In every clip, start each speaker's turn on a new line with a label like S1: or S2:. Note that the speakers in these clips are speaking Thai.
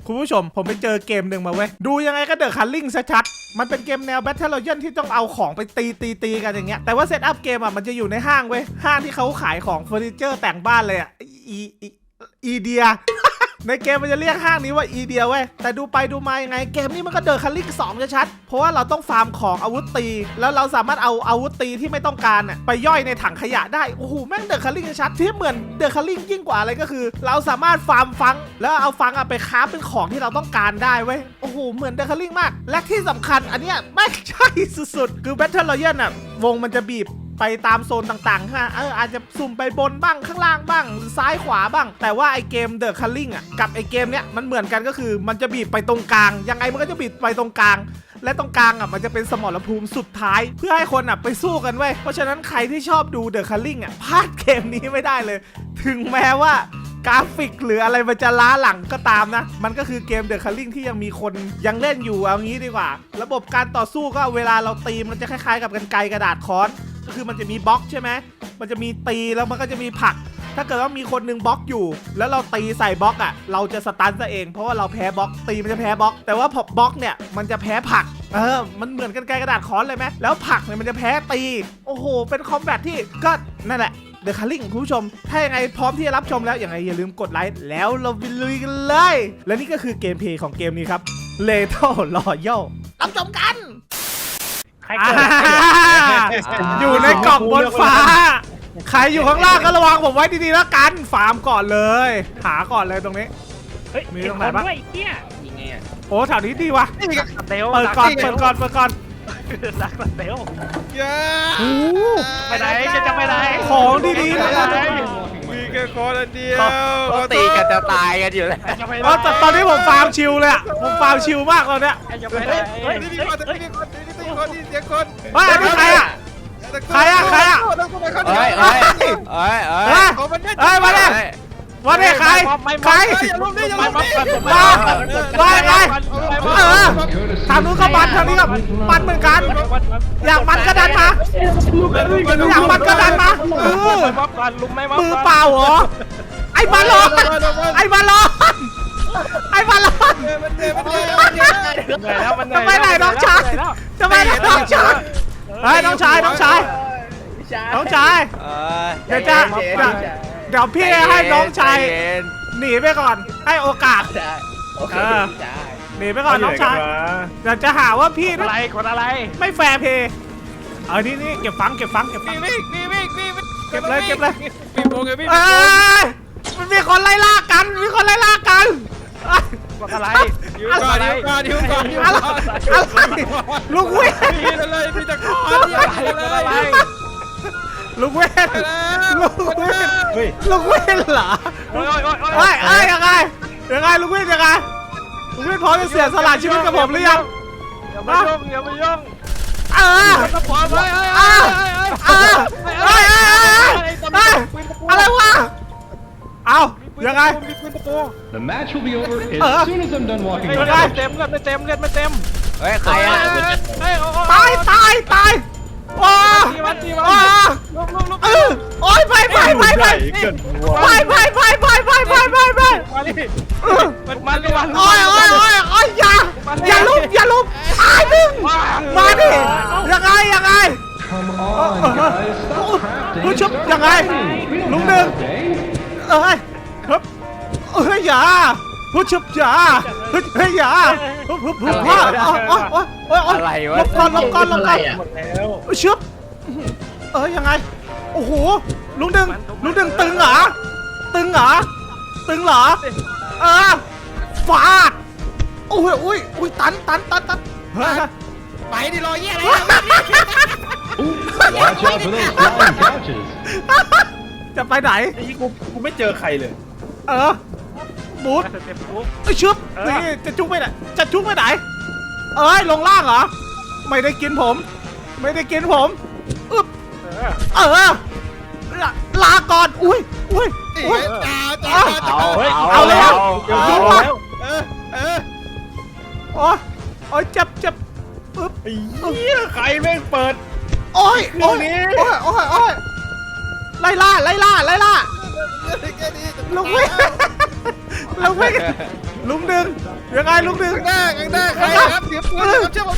S1: คุณผู้ชมผมไปเจอเกมหนึ่งมาเว้ยดูยังไงก็เดอะคัลลิ่งชัดๆมันเป็นเกมแนว Battle Royale ที่ต้องเอาของไปตีกันอย่างเงี้ยแต่ว่าเซตอัพเกมอ่ะมันจะอยู่ในห้างเว้ยห้างที่เขาขายของเฟอร์นิเจอร์แต่งบ้านเลยอ่ะอีเดีย ในเกมมันจะเรียกห้างนี้ว่าอีเดียเว้ยแต่ดูไปดูมายังไงเกมนี้มันก็เดอะคัลลิ่ง2ชัดๆเพราะว่าเราต้องฟาร์มของอาวุธตีแล้วเราสามารถเอาอาวุธตีที่ไม่ต้องการน่ะไปย่อยในถังขยะได้โอ้โหแม่งเดอะคัลลิ่งชัดที่เหมือนเดอะคัลลิ่งยิ่งกว่าอะไรก็คือ เราสามารถฟาร์มฟังแล้วเอาฟังไปคราฟเป็นของที่เราต้องการได้เว้ยโอ้โหเหมือนเดอะคัลลิ่งมากและที่สำคัญอันเนี้ยไม่ใช่สุดๆคือ Battle Royale น่ะวงมันจะบีบไปตามโซนต่างๆฮะอาจจะสุ่มไปบนบ้างข้างล่างบ้างหรือซ้ายขวาบ้างแต่ว่าไอเกม The Culling อ่ะกับไอเกมเนี้ยมันเหมือนกันก็คือมันจะบีบไปตรงกลางยังไงมันก็จะบีบไปตรงกลางและตรงกลางอ่ะมันจะเป็นสมรภูมิสุดท้ายเพื่อให้คนอ่ะไปสู้กันเว้ยเพราะฉะนั้นใครที่ชอบดู The Culling อ่ะพลาดเกมนี้ไม่ได้เลยถึงแม้ว่ากราฟิกหรืออะไรมันจะล้าหลังก็ตามนะมันก็คือเกม The Culling ที่ยังมีคนยังเล่นอยู่เอางี้ดีกว่าระบบการต่อสู้ก็เวลาเราตีมันจะคล้ายๆกับกรรไกรกระดาษค้อนก็คือมันจะมีบล็อกใช่ไหมมันจะมีตีแล้วมันก็จะมีผลักถ้าเกิดว่ามีคนหนึ่งบล็อกอยู่แล้วเราตีใส่บล็อกอ่ะเราจะสตันซะเองเพราะว่าเราแพ้บล็อกตีมันจะแพ้บล็อกแต่ว่าพอบล็อกเนี่ยมันจะแพ้ผลักมันเหมือนกันไกรกระดาษค้อนเลยไหมแล้วผลักเนี่ยมันจะแพ้ตีโอ้โหเป็นคอมแบทที่ก็นั่นแหละThe Culling คุณผู้ชมถ้ายังไงพร้อมที่จะรับชมแล้วยังไงอย่าลืมกดไลค์แล้วเราไปลุยกันเลยและนี่ก็คือเกมเพลย์ของเกมนี้ครับ Lethal Royale รับชมกันอยู่ในกล่องบนฟ้าใครอยู่ข้างล่างก็ระวังผมไว้ดีๆแล้วกันฟาร์มก่อนเลยหาก่อนเลยตรงนี้
S2: เฮ้ยมีตรงไหนบ้างไอ้เหี้ยยังไงอ่ะ
S1: โอ้แถวนี้ดีวะ
S2: เปิ
S1: ดก่อน
S2: รักเร็ว
S1: โอ้
S2: ไปไหนจะไปไหน
S1: ของดีๆนะ
S3: มีแค่คนอันเดียว
S2: เขาตีกันจะตายกันอยู่แล้ว
S1: แต่ตอนนี้ผมฟาร์มชิลเลยอะผมฟาร์มชิลมากตอนเนี้ย
S3: นี่มีคนนี่เสียงคน
S1: เฮ้ยอันนี้ใครอะเฮ้ยมาเลยใครมาไงทางนู้นก็มันทางนี้ก็มันเหมือนกันอยากมันก็ดันมาอยากมันก็ดันมามือเปล่าเหรอไอ้บอลลอนจะไปไหนน้องชายจะไปไหนน้องชายเฮ้ยน้องชายเดี๋ยวพี่ให้น้องชายหนีไปก่อนให้โอกาสหนีไปก่อนน้องชายเดี๋ยวจะหาว่าพี่
S2: คนอะไร
S1: ไม่แฟร์เพย์นี่เก็บฟัง
S3: นี่
S1: เก็บเลย
S3: พี่โมงไงพี่
S1: มันมีคนไล่ล่ากัน
S2: คนอะไร
S1: ลูกเว้ย
S3: พี่จะขอ
S1: อะไรลูกเว้นเหรอยังไงลูกเว้นพร้อมจะเสียสละชีวิตกับผมหรือยัง
S2: อย่าไปยุ่ง
S1: อะไรวะเอายังไง
S4: The match will be over as soon as I'm done walking.
S2: ไม่เต็ม
S3: เฮ้ยใครอ่ะ
S1: ตายว้าโอ้ยไปโอ้ยอย่าลุกตายมึงมาดิยังไง
S4: Come on, guys, stop
S1: ผู้
S4: crafting.
S1: ชุบยังไงลุงหนึ่งครับอย่าผู้ชุบอย่าอย่า
S2: อะไรวะ
S1: ลบก่อนชุบยังไงโอ้โหลุงหนึ่งตึงเหรอฟาดโอ้ยตัน
S3: ไปดิรอเยี่ยอะไร
S4: Watch out for those flying couches.
S1: จะไปไหน
S3: กูไม่เจอใครเลย
S1: บูทชุบนี่จะจุกไปไหนลงล่างเหรอไม่ได้กินผมอึ๊บลาก่อนอุ้ยเอาแล้วโอ้ยเจ็บอึ๊บ
S3: ใครแม่งเปิด
S1: โอ้ยไล่ล่าลูกเว้ยลุงดึงยังไงลุงดึง
S3: ข้างหน้าใครครับเดี๋ยวปืนครับเชื่อผม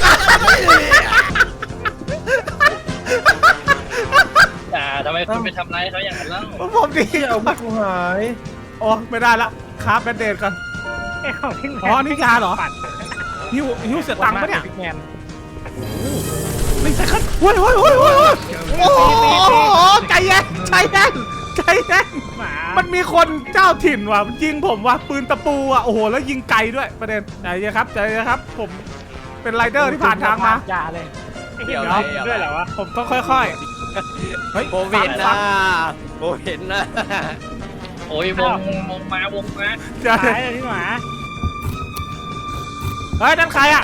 S5: ทำไมคุณไปทำร้ายเขาอย่างนั้นเล่า
S1: ผมดี
S3: เอาผู้หาย
S1: โอ้ไม่ได้ละครับแบนเดดก่อน
S2: ไอ้ของพี่แมน
S1: อ๋อนี่ยาเหรอ
S2: ปัด
S1: หิวเสียตังค์ปะเนี่ย
S2: บิ๊กแมน
S1: ไม่ใช่ขั้นโอ้ยโอ้ยโอ้ยโอ้ยโอ้โหใจเย็นใจเย็นใจเย็น
S2: หมา
S1: มันมีคนเจ้าถิ่นว่ะยิงผมว่ะปืนตะปูอ่ะโอ้โหแล้วยิงไกลด้วยประเด็นใจเย็นครับใจเย็นครับผมเป็นไรเดอร์ที่ผ่านทางมา
S2: อย่าเลย
S5: เดี๋ยว
S2: ด้วยเหรอวะ
S1: ผมต้องค่อยๆเฮ้ย
S2: โควิด
S1: ฟั
S2: นะ
S1: ง
S2: โควิดนะ
S5: โอ้ยวงมา
S1: ใจ
S2: หายเลยพี่หมา
S1: เฮ้ยนั่นใครอ่ะ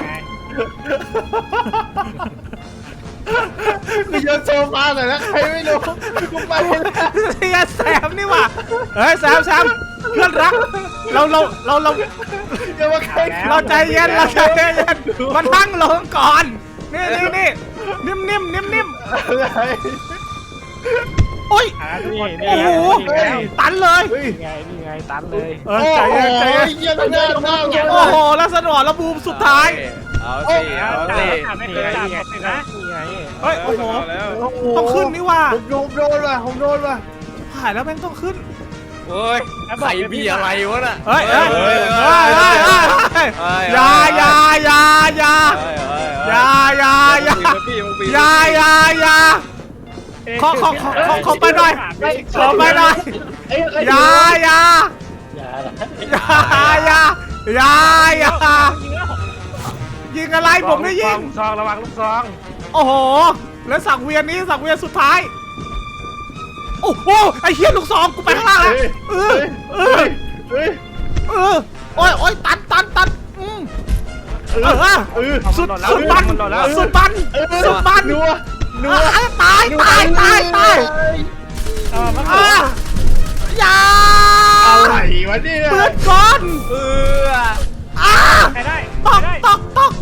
S3: กูโยนโซฟาหน่อยนะใครไม่รู้กูไปแล้ว
S1: เฮียแซมนี่ว่ะเฮ้ยแซมเพื่อนรักเรา
S3: อย่ามาใคร
S1: เราใจเย็นเราใจเย็นมานั่งลงก่อนนี่นิ่ม
S3: อะไร
S1: โอ้ย
S2: นี่
S1: โอ้โห ตันเลย
S2: นี่ไงตันเลย
S1: ใจเย็นใจเย็น
S3: เยี่ยมหน้า
S1: โอ้โหแล้วสนอระบูมสุดท้าย
S2: เอาสิไม่เคยจับนะนี่ไง
S1: เฮ้ยโอ้โหต้องขึ้นนี่ว่ะ
S3: ผมโดนว่ะ
S1: ผ่านแล้วแม่งต้องขึ้น
S2: โอ้ยใครมีอะไรวะน่ะ
S1: เฮ้ยอย่าขอไปหน่อยอย่ายิงอะไรผมไม่ยิง
S2: ซองระวังลูกซอง
S1: โอ้โหแล้วสังเวียนสุดท้ายโอ้โหไอ้เหี้ยลูกซองกูไปข้างล่างแล้วโอ้ยตันสุดบัน
S3: นัว
S1: ตายอย่า
S3: อะไรวะเนี่ย
S1: เปิดก่อน
S2: ไปได้
S1: ตก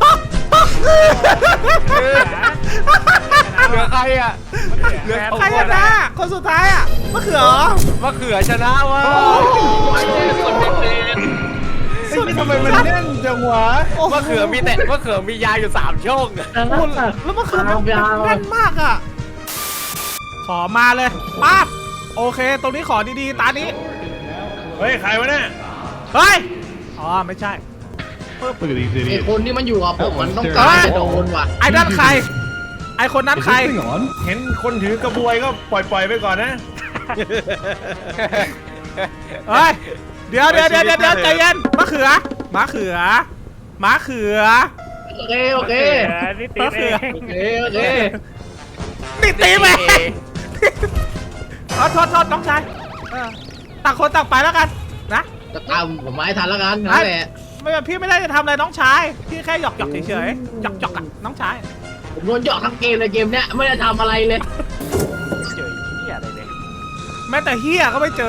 S2: เหลือใครอ่ะเหลือ
S1: ใครชนะคนสุดท้ายอ่ะมะเขือ
S2: มะเขือชนะวะ
S1: สุด
S3: ทำไมมันแน่นจังวะ
S2: มะเขือมียาอยู่3ช่องอะ
S1: แล้วมะเขือมันแน่นมากอ่ะขอมาเลยปั๊บโอเคตรงนี้ขอดีๆตานี้
S3: เฮ้ยใครวะเนี่ย
S1: เฮ้ยอ๋อไม่ใช่
S4: Look at these
S6: ไอ
S4: idiots.
S6: คนที่มันอยู่กับผมมันต้อง
S1: เอ้
S6: การ
S1: ย
S6: จะโดนว่ะ
S1: ไอ้นั่นใครไอ้คนนั้น
S4: Is
S1: ใคร
S4: this thing on?
S3: เห็นคนถือกระบวยก็ปล่อยไปก่อนนะ
S1: เฮ้ยเดี๋ยวใจเย็นมะเขือ
S6: โอเค
S2: นี่ตีเอง
S6: โอเค
S1: นี่ตีแม่โทษน้องชายต่างคนต่างไปแล้วกันนะ
S6: จะตามผมมาให้ทันแล้วกันนั่นแหละ
S1: ไม่พี่ไม่ได้จะทำอะไรน้องชายพี่แค่หยอกเฉยๆหยอกอ่ะน้องชาย
S6: ผมโดนหยอกทั้งเกมเลยเกมเนี้ยไม่ได้ทำอะไรเลย
S2: เจอเหี้ยอะไรเลย
S1: แม้แต่เฮียก็ไม่เจอ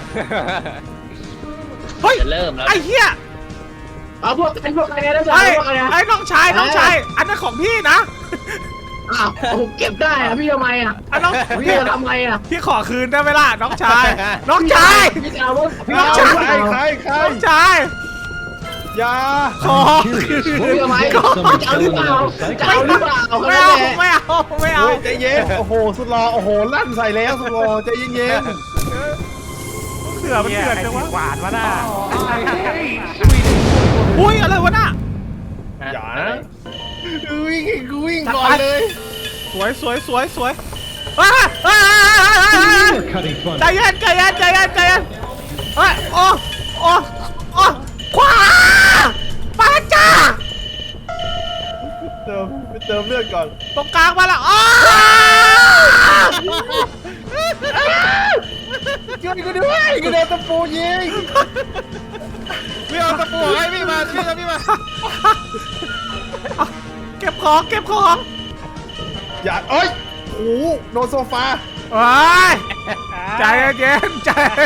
S1: เฮ้ย
S5: จะเริ่มแล้ว
S1: ไอ้เฮีย
S6: เอาพวกกันนะจ๊ะ
S1: ไอ้
S6: พวกกันนะ
S1: ไอ้น้องชายอันนั้นของพี่นะ
S6: อ้าวผมเก็บได้อะพี่ทำไมอะ
S1: อันน้อง
S6: พี่จะทำไงอะ
S1: พี่ขอคืนได้ไหมล่ะน้องชาย
S6: พี่จะเอาพวกพี่
S1: น้อง
S6: เอา
S1: ชาย
S3: ใคร
S1: น้องชาย
S3: ยา
S1: ขอ
S6: พี่ทำไม
S4: Someone
S6: จะเอาหรือเปล่า
S4: selling
S6: จะเอาหรือเปล่า
S1: ไม่
S6: แค่
S1: เอา
S6: นั้นแหละ
S1: ไม่เอา
S3: ใจเย็นโอ้โหสุดรอโอ้โหลั่นใส่แล้วสุดรอใจเย็น
S1: เสือมันเถื่อนจังวะ
S2: หวานวะน่ะ
S1: อุ้ยอะไรวะน่ะ
S3: อย่านะวิ่งก่อนเลย
S1: สวย
S4: You are cutting fun.
S1: ใจเย็นเฮ้ยโอ้ขวามาจ้า
S3: ไปเติมเลือดก่อน
S1: ตรงกลางมาแล้วอ้า
S3: ช่วยกูด้วยกูโดนตะปูยิงพี่เอาตะปูให้พี่มาพี่มา
S1: เก็บของ
S3: อย่าเอ้ยโอ้โหโดนโซฟา
S1: เฮ้ยใจเย็น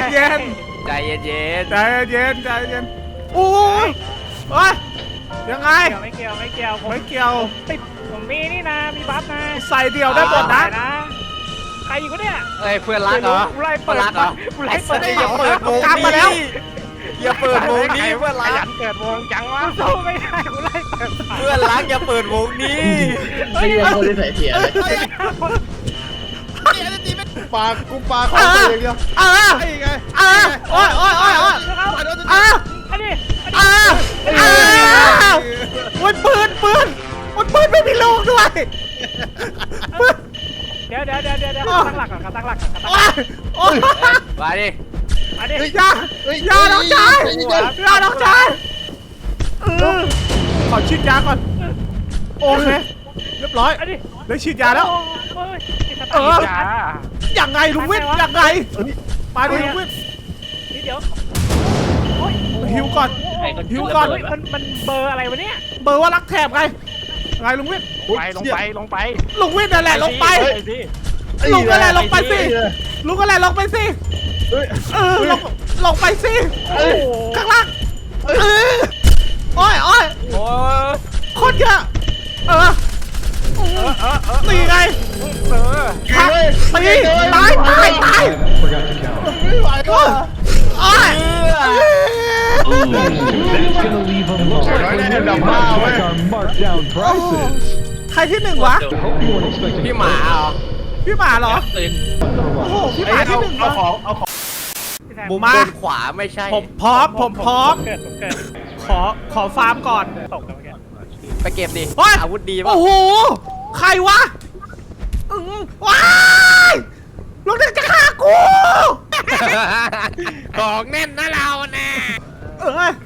S1: โอ้ยเฮ้ยยังไง
S2: ไม่เกี่ยวผม
S1: ไม่เกี่ยว
S2: ติดผมมีนี่นะมีบัฟนะ
S1: ใส่เดี่ยวได้หมดนะ
S2: ใครอยู่ก็เนี่ย
S5: เฮ้ยเพื่อนรักเหรอ
S2: ไล่เปิดเหรอไล่เปิด
S5: อย่าเปิด
S1: กลับมาแล้ว
S3: อย่าเปิดวงนี้เพื่อน
S2: ข
S3: รั
S2: ยั
S3: ก
S2: นเกิดวงจังวะสู้ไม่ได้กูไล่เปิด
S3: เพื่อนรักอย่าเปิดวงนี้
S6: ไม่มีคนที่ใส่เสียเลย
S3: ปากกูปากเข้าไปอย่างเดียว
S1: เออ
S3: ไอ้ไง
S1: เออโอ้ยโอ้ยโอ้ยโอ้ยเออ
S2: อันนี้
S1: เออเออโอ้ยปืนโอ้ยปืนไม่มีลูกด้วยปืน
S2: เดี๋ยวตั้งหลักก่อนตั้งหลักก่อน
S1: โอ้ยโอ้ย
S3: มาดิ
S2: อันนี้
S1: อย่าน้องชายอย่าน้องชายขอฉีดยาก่อนโอเคเรียบร้อย
S2: อันนี้
S1: ได้ฉีดยาแล้ว
S2: เออ
S1: ยังไงลุงวิทย์ยังไงมาดิลุงวิทย์
S2: นี่เดี๋ยว
S1: หิวก่อน หิวก่อน
S2: มันเบอร์อะไรวะเนี่ย
S1: เบอร์ว่ารักแถบไงไงลุงวิทย์
S2: ลงไป
S1: ลุงวิทย์นั่นแหละลงไป
S2: สิ
S1: ลุงนั่นแหละลงไปสิลุงนั่นแหละลงไปสิลงไปสิ
S2: โอ้โห
S1: ข้างล่างโอ้ย
S3: โอ้ย
S1: โคตรเยอะตีไงพักตีตาย
S4: I forgot to count.
S1: โอ้ย
S4: That's gonna leave them looks like we're nearly done with our marked down prices.
S1: ใครที่หนึ่งวะ
S4: I hope you weren't expecting
S3: พี่หมาเหรอ
S1: พี่หมาเหรอ
S5: ตื่น
S1: โอ้โหพี่หมาที่หนึ่งวะ หมูมา
S3: บนขวาไม่ใช่
S1: ผมพร้อม
S2: เกิด
S1: ขอฟาร์มก่อน
S2: ตกกันเมื่อกี้
S3: ไปเก็บดิ
S1: เฮ้ย
S3: อาวุธดีป่ะ
S1: โอ้โห ใครวะว้ายลูกเด็กจะฆ่ากู
S3: ของแน่นนะเราแน่
S1: เอ้ย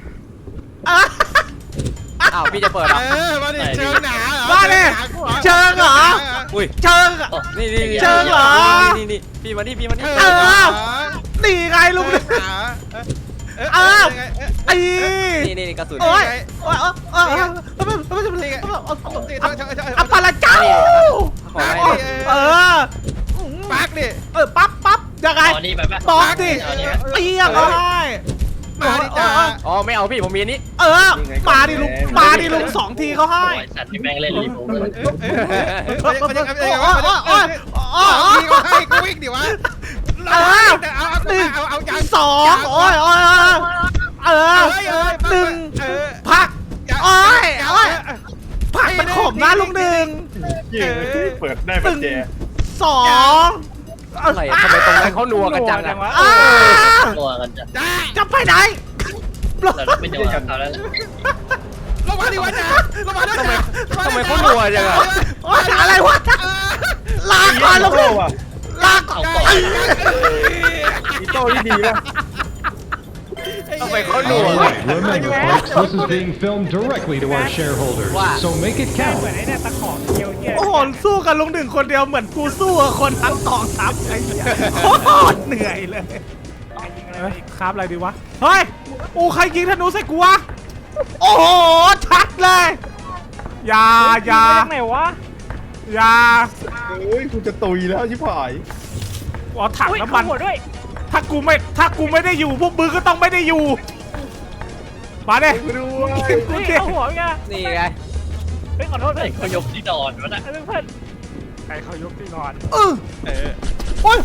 S3: อ้าวพี่จะเปิดเหรอมาดิเชิงหนา
S1: มาดิเชิงเหรอ
S3: อุ้ย
S1: เชิงเหรอ
S3: นี่
S1: เชิงเหรอ
S3: นี่พี่มานี่
S1: เออตีไงลุงเนี่ยไอ้
S3: นี่กระสุน
S1: โอ้ยอัปปาละเจ้า เออ
S3: ปักดิ
S1: ปั๊บยังไง
S5: อ๋อนี่ไปปะ
S1: บอกดิ
S5: เอานี่ไหม
S1: เตียงเอาให้
S3: มาดิจ้าอ๋อไม่เอาพี่ผมมีอันนี้
S1: มาดิลุง2 ทีเขาให้
S5: โอ้ยสัตว์ที่แม่งเล่นรีโมทเลย
S3: พี่ก็ให้กูวิ่งดิวะเอาจาน
S1: 2โอ้ย1พักผักมันขมนะลุง1
S7: เปิดได้ปัจเจ
S1: 2
S3: อะไรทำไมตรงนั้นเขานัวกันจังอะ
S5: ตัวกันจะ
S1: จะไปไหน
S5: เราไม่โดนเขาแล้ว
S3: ลงมาดิวะจ้าลงมาด้วยทำไมเขานัวจังอะ
S1: อะไรวะลาก่อนลุงลาก่อน
S7: อีโต้ที่ดีป่ะ
S3: ทำไมเขานัว
S4: All right, remember, folks, this is being filmed directly to our shareholders, so make it
S2: เห
S4: count.
S2: มือนไอ้เนี่ยตะขอเกียวเกีย
S1: โอ้โหสู้กับลุง1คนเดียวเหมือนกูสู้กับคนทั้งกองทัพไอ้เหี้ยโคตรเหนื่อยเลยครับอะไรดีวะเฮ้ยใครยิงธนูใส่กูวะโอ้โหชัดเลยอย่า
S2: ไหนวะ
S7: เฮ้ยกูจะตุยแล้วชิบหาย
S1: เอาถังน้ำมัน
S2: หัวด้วย
S1: ถ้ากูไม่ได้อยู่พวกมึงก็ต้องไม่ได้อยู่มาดิกูดิ
S2: เอาหัวไง
S3: นี่ไง
S2: เฮ้ยขอโทษ
S5: ไอ้
S2: เพื่อน
S5: เขายกที่นอนวะน่ะ
S2: เพื่อนใครเขายกที่นอน
S1: โอ้ย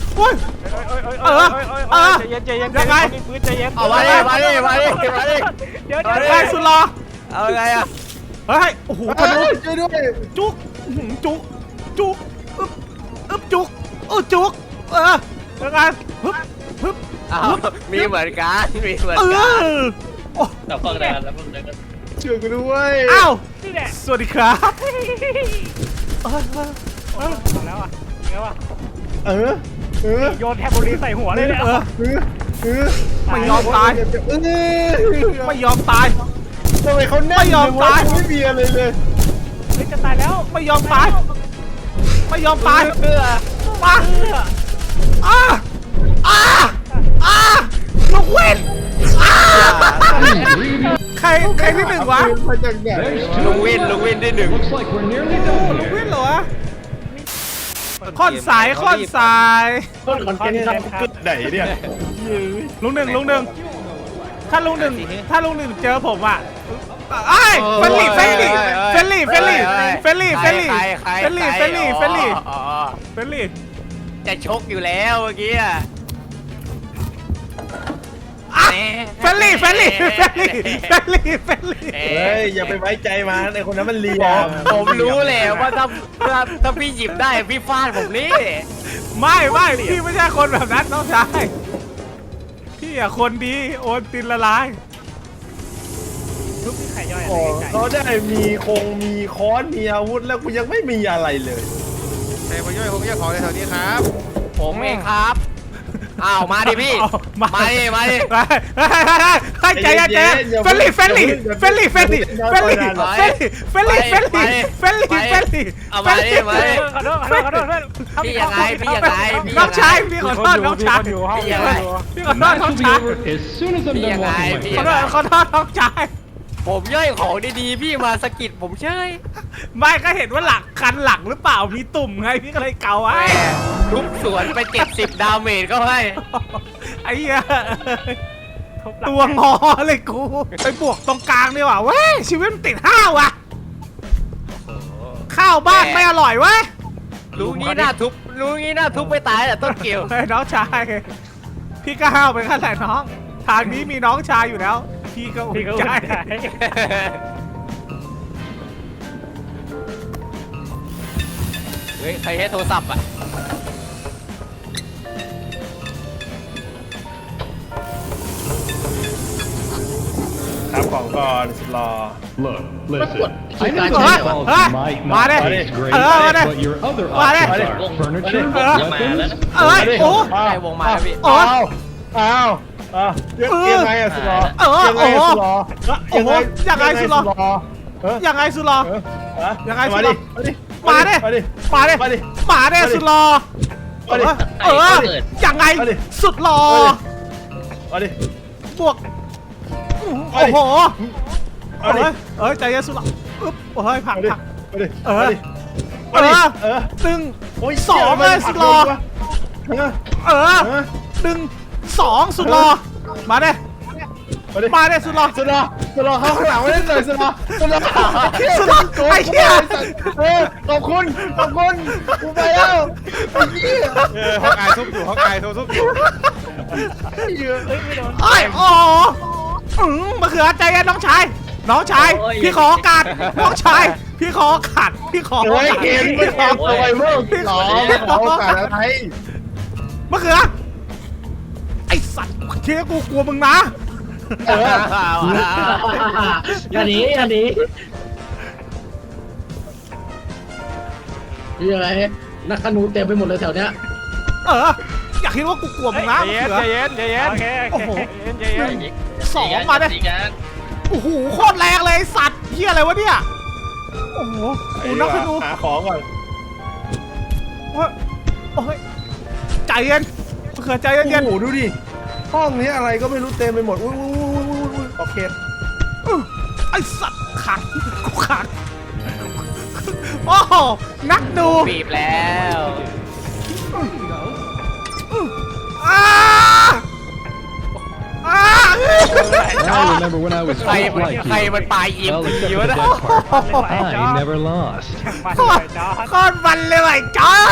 S2: ใจเย็นใจเย็น
S1: ยังไง
S2: ปืนใจเย็น
S3: เอามาดิ
S2: เดี๋ยว
S1: ไอ้สุดรอ
S3: เอาไงอะ
S1: เฮ้ยโอ้โหธนู
S7: ช่วยด้วย
S1: จุกจุกอึ๊บจุกจุกยังไงฮึบ
S3: อ้าวมีเหมือนกัน
S5: แต่ฟังนานแล้วมึงเลยก็
S7: ช่วยกูด้วย
S1: อ้าว
S2: นี่แหละ
S1: สวัสดีครับ
S2: แล้วอ่ะแล้วอ่ะ
S7: เออ
S2: โยนแทบบุรีใส่หัวเลยเนี่ย
S1: ไม่ยอมตายไม่ยอมตาย
S7: ทำไมเขาแน่น
S1: ไม่ยอมตาย
S7: ไม่มีอะไรเลย
S2: เฮ้ยจะตายแล้ว
S1: ไม่ยอมตายมาลูกเว้นใครที่1วะ
S7: มาจากไหน
S4: There's
S3: ลุง
S4: two.
S3: วินที่1
S4: Looks like we're nearly done
S1: ลูกเว้น
S4: here.
S1: เหรอวะค่อนสาย
S7: ต้นคอนเทนต์ทำกูเกิดไหนเนี่ย
S1: ลุงหนึ่งถ้าลุงหนึ่งเจอผมอ่ะไอ้เฟลลี่
S3: จะชกอยู่แล้วเมื่อกี้อะ
S1: เฟลลี่เฟลลี่เฟลลี่เฟลลี่เฟลลี่
S7: เฮ้ยอย่าไปไว้ใจมันไอ้คนนั้นมันเลีย
S2: ผมรู้เลยว่าถ้าพี่หยิบได้พี่ฟาดผมนี่
S1: ไม่พี่ไม่ใช่คนแบบนั้นน้องชายพี่อะคนดีโอนตินละลาย
S2: ทุกที่ไข่ย่อย
S7: อ๋อเขาได้มีมีค้อนมีอาวุธแล้วกูยังไม่มีอะไรเลย
S3: ใครมาย่อยคงย่อยของในแถวนี้ครับ
S2: ผมเองครับอ้าวมาดิพี่ มาดิ
S1: ให้ใจเย็นเฟลลี่เฟลลี่เฟลลี่เฟลลี่เฟลลี่เฟลลี่เฟลลี่เฟลลี่เฟลลี่เฟลลี่
S2: เอามาดิมาดิขอโทษเพื่อนพี่ยังไง
S1: น้องชายพี่ขอโทษน้องชาย
S2: พี่ยังไง
S1: พี่ขอโทษ
S4: Match
S1: น้อง
S4: will be
S1: ชาย
S4: over as soon as I'm done walking my
S1: ขอ
S4: dog.
S1: โทษน้องชาย
S2: ผมย่อยของดีๆพี่มาสะกิดผมเชย
S1: ไม่ก็เห็นว่าหลังคันหลังหรือเปล่ามีตุ่มไงพี่ก็เลยเกาไว้
S2: ทุบสวนไป70ดาเมจก็ให้
S1: ไอ้เหี้ยตัวงอเลยกูไปบวกตรงกลางดีกว่าเว้ยชีวิตมันติดห้าวว่ะข้าวบ้านไม่อร่อยเว้ย
S2: รู้งี้น่าทุบไปตายแต่ต้นเกี่ยว
S1: เฮ้ยน้องชายพี่ก็ห้าวไปขั้นไหนน้องทางนี้มีน้องชายอยู่แล้วพี่ก็อุ่นใจ
S2: เฮ้ยใครให้โทรศัพท์อ่ะ
S7: ครับของก่อนสุดรอ
S4: Look, listen.
S6: I
S4: I know
S6: know
S4: these
S6: that.
S4: balls
S1: Huh?
S4: might
S1: Mare.
S4: not taste great,
S1: Mare.
S4: but your other
S1: Mare.
S4: options are furniture,
S1: Mare.
S4: weapons,
S1: เอ้ยโอ้
S2: ใครวงมาแล้วพี่
S1: โอ้
S7: อ้าวยังไงอะสุดรอ
S1: ยังไงสุดรอ
S7: เออ
S1: ยังไงสุดรอ ยังไงสุดรอ
S7: มาดิ
S1: มาดิ
S7: มาดิ
S1: มาดิ
S7: มาดิ
S1: มาดิสุดรอ
S7: มาดิ
S1: ยังไงสุดรอ
S7: มาดิ
S1: บวกโอ้โหใจเย็นสุดรออึ๊บโอ้ยผัก
S7: มาดิ
S1: ผัก
S7: มาดิ
S1: เออ
S7: มาดิเออ
S1: ดึง
S7: โอ้ย
S1: สองเลยสุดรอ
S7: เออ
S1: ดึงสองสุดรอมาเด้ มาเด้สุดรอ
S7: สุดรอสุดรอเข้าข้างหลังไม่ได้เลยสุดรอสุดรอ
S1: สุดรอไอ้เหี้ย
S7: ขอบคุณกูไปแล้วไอ้เหี้ย
S3: ห้องอายทุบอยู่ห้องอายทุบอยู่
S1: ไอ้โอ้มะเขือใจเย็นน้องชาย น้องชาย พี่ขอโอกาสน้องชาย พี่ขอโอกาสพี่ขอโอ
S7: โอ้ย
S1: กาส
S7: เห็นไม่ขอตัวเมื่อหรอไม่ขอโอกาสอะไร
S1: มะเขือไอ้สัตว์เชี่ยกูกลัวมึงนะ
S6: อย่าหนียังไงนักขนูเต็มไปหมดเลยแถวเนี้ย
S1: อยากคิดว่ากูกลัวมึงนะมะเขือ
S2: ใจเย็นโอ้โหใจเย็น
S1: สองมาเด้โอ้โหโคตรแรงเลยไอ้สัตว์เหี้ยอะไรวะเนี่ยโอ้โหกูนักขนู
S7: หาของก่อน
S1: โอ้ยใจเย็นมะเขือใจเย็น
S7: โอ้โหดูดิห้องนี้อะไรก็ไม่รู้เต็มไปหมดอุ้ยโอเค
S1: ไอ้สัตว์ขังกูขังโอ้โหนักดู
S2: บีบแล้ว
S1: อ้า
S4: I remember when I was
S2: ใคร
S4: fit
S2: มัน
S4: like
S2: ใคร
S4: you.
S2: มันปลายยิม
S4: Well,
S2: ดี
S4: except for
S2: วะ
S4: the
S2: นะ
S4: dead part. I never lost.
S1: โคตรมันเลยไอ้จ้า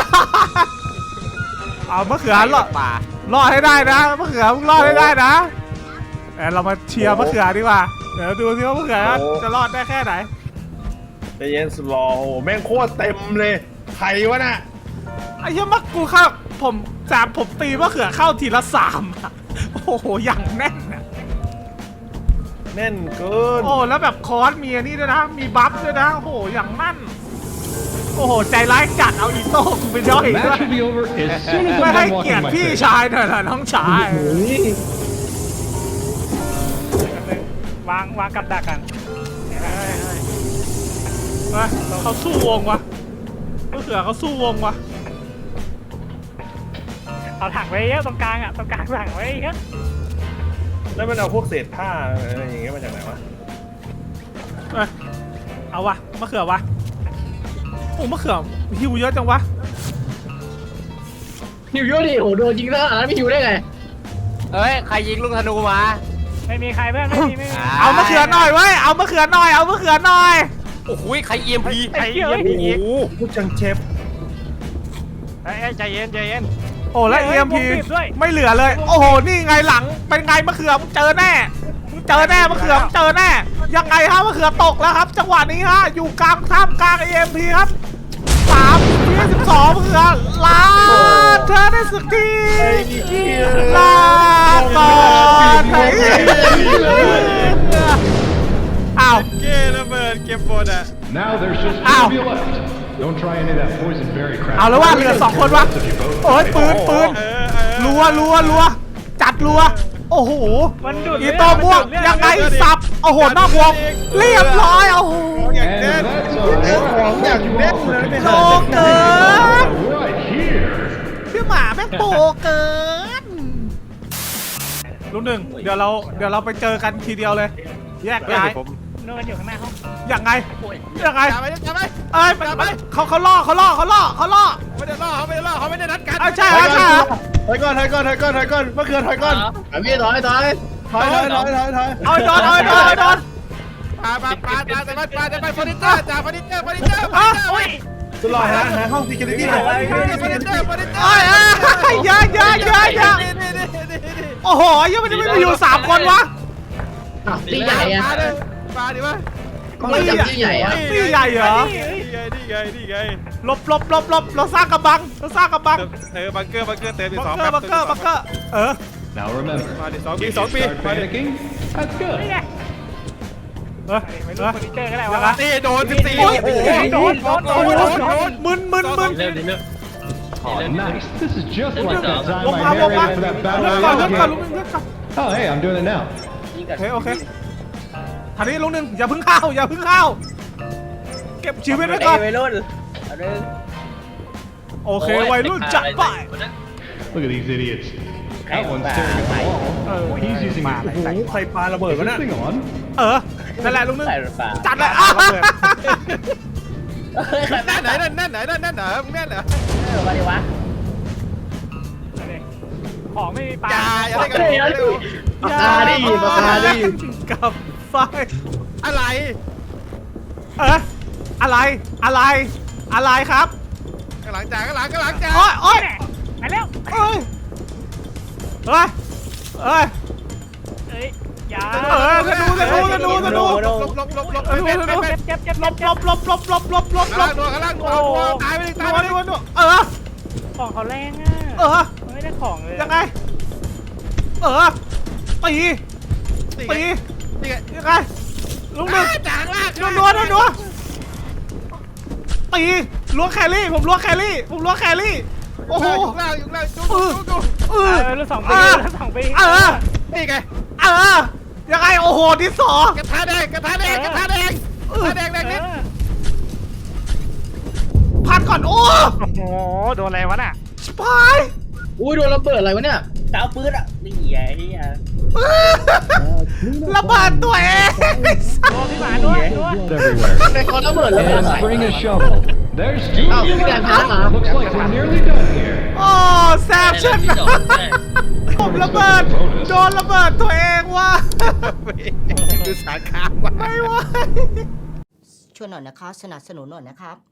S1: เอามะเขือรอด
S2: ป่าร
S1: อดให้ได้นะมะเขือมึงรอดให้ได้นะเรามาเชียร์มะเขือดีกว่าเดี๋ยวดูสิว่ามะเขือจะรอดได้แค่ไหน
S7: ใจเย็นสุดรอโอ้โหแม่งโคตรเต็มเลยใครวะน่ะ
S1: ไอ้เหี้ยมักกูเข้าผมตีมะเขือเข้าทีละ3อะโอ้โหอย่างแน่นอะ
S7: แน่นเกิน
S1: โอ้แล้วแบบคอร์สมีอันนี้ด้วยนะ มีบัฟด้วยนะโอ้โหอย่างนั่นโอ้โหใจร้ายจัดเอาอีโต้กูไปย่อยด้วย
S4: Match will be over as soon as
S1: ไม่
S4: I'm
S1: ให้
S4: done
S1: เกียร
S4: walking
S1: ติ
S4: my
S1: พี่
S4: dog.
S1: ชายหน่อยนะน้องชายว
S2: างกับดักกัน
S1: เขาสู้วงวะมะเขือเขาสู้วงวะ
S2: เอาถังไว้เยอะตรงกลางอ่ะตรงกลางถังไว้เยอะ
S7: แล้วมันเอาพวกเศษผ้าอะไรอย่างเงี้ยมาจากไหนวะ
S1: เอาวะมะเขือวะโอ้มะเขือหิวเยอะจังวะ
S6: หิวเยอะดิโอ้โดนจริงนะอันนั้นไม่หิวได้ไง
S2: เฮ้ยใครยิงลูกธนูมา ไม่มีใครเพื่อนไม่มี
S1: เอามะเขือหน่อยเว้ยเอามะเขือหน่อยเอามะเขือหน่อย
S2: โอ้โหใคร EMP
S7: โอ้โหพูดจังเชฟ
S2: ใจเย็น
S1: โอ้และ EMP ไม่เหลือเลย โอ้โหนี่ไงหลังเป็นไงมะเขือมึงเจอแน่เจอแน่มะเขือเจอแน่ยังไงฮะมะเขือตกแล้วครับจังหวะนี้ฮะอยู่กลางท่ามกลาง EMP ครับ3-12มะเขือลาเธอได้สักทีลาก่อนไอ้อ้าว
S3: เก้ระเบิดเก็บหมดอ่ะ
S4: Now there's just two
S1: Ow.
S4: of you left. Don't try any of that poison berry crap.
S1: เอาแล้วว่าเหลือ2 คนวะโอ้ยปืนรัวจัดรัวโอ้โหอีโต้ม่วงยังไงสับโอ้โหนอกวงเรียบร้อยโอ้โห
S3: อย่าง
S4: And
S3: แน่น
S4: that's a
S3: ของอย่าง
S4: you
S3: แน่น
S4: all for
S3: เลย
S4: coming
S1: โล
S4: out
S1: เกิน
S4: right here.
S1: พี่หมาแม่งโปเกินลุงหนึ่งเดี๋ยวเราไปเจอกันทีเดียวเลย แยกย้าย
S3: ผม
S1: ยังไง
S3: จับไปจับไป
S1: เอ้ยเขาล่อ
S3: ไม่ได้ล่อเขาไม่ได้ล่อเขาไม่ได้นัดกัน
S1: ใช่
S7: ถอยก่อนมะเขือถอยก่อน
S6: พี่ถอย
S7: ถอย
S1: เอาโดน
S3: ปาจะไปเฟอร์นิเจอร์จ่าเฟอร์นิเจอร์
S7: ตลอดหาห้อง security หน่อย
S3: เฟอร์นิเจอร์
S1: เอ้ยอย่าโอ้โหยังไม่อยู่3 คนวะ
S6: ตีใหญ่อะ
S3: ปาดิวะ
S6: ไม่จับตีใหญ่อะ
S1: นี่ใหญ่เหรอ
S3: นี่ไง
S1: หลบเราสร้างกำบัง
S3: บังเกอร์เติมอีก
S1: บัง
S3: 2
S1: เกอร์เออ
S4: Now remember,
S3: มาดิ
S4: if
S3: 2 ปี
S4: you start panicking, that's good.
S1: ยังไง
S3: นี่โดน14
S1: โอ้ย
S3: โดน
S1: มึน
S5: เร็วดิเร็ว
S4: Oh, nice. This is just like that time
S1: ลง
S4: I
S1: มา
S4: narrated for that
S1: เลื่อน
S4: battle
S1: ก่อน
S4: royale
S1: ลุงหนึ่ง
S4: game. Oh, hey, I'm doing it now.
S1: โอเคทีนี้ลุงหนึ่งอย่าเพิ่งเข้าเก็บชีวิตไว้ก่อน
S2: วัยรุ่นเอาดึง
S1: โอเควัยรุ่นจัดไป
S4: Look at these idiots. That one's staring at the wall. He's using it.
S7: ใครปาระเบิด
S4: Is
S7: วะ
S4: this
S7: น่ะ
S4: thing on?
S1: นั่นแหละลุงหนึ่ง
S2: ใส่รถฟ้า
S1: จัดเลย
S3: แน่นไหนมึงแน่นเหรอ
S2: มาดิวะ
S3: อย่าได้กัน
S6: ปากกาดิ
S1: กับไฟ
S3: อะไร
S1: อะไรครับ
S3: ข้างหลังจ่าข้างหลังจ่า
S1: โอ๊ยไปแล้วเฮ้ยธนู
S3: หลบ
S1: ลบ
S3: ข้างล่างตายไปดิ
S8: ของเขาแรงอ่ะไม่ได้ของเลย
S1: ยังไงตี
S3: นี่ไง
S1: ยังไงลุงหนึ่ง
S3: จ่าข้างล่าง
S1: นัวตีล้วงแครี่ผมล้วงแครี่โอ้โห
S3: อยู่ล่างจุ๊บ
S8: รุ่น2 ปี
S3: นี่ไง
S1: ยังไงโอ้โหดิสอก
S3: ระทะแดงนิด
S1: พัดก่อนโอ้
S8: โอ้โหโดนอะไรวะน่ะ
S1: ชิบหาย
S6: อุ้ยโดนระเบิดอะไรวะเนี่ย
S2: จะเอาปืนอ่ะนี่ไงนี่ไง
S1: ระเบิดตัวเอง
S8: โดนพี่หมาด้วย
S4: Everywhere.
S6: ใครขอระเบิดระเบิด
S4: And
S6: ใส่
S4: bring a shovel. There's two of you. Looks like we're nearly done here.
S1: โอ้แซบฉันผมระเบิดโดนระเบิดตัวเองว่ะ
S3: ดูสาขาว่ะ
S1: ไม่ไหว
S9: ช่วยหน่อยนะคะสนับสนุนหน่อยนะครับ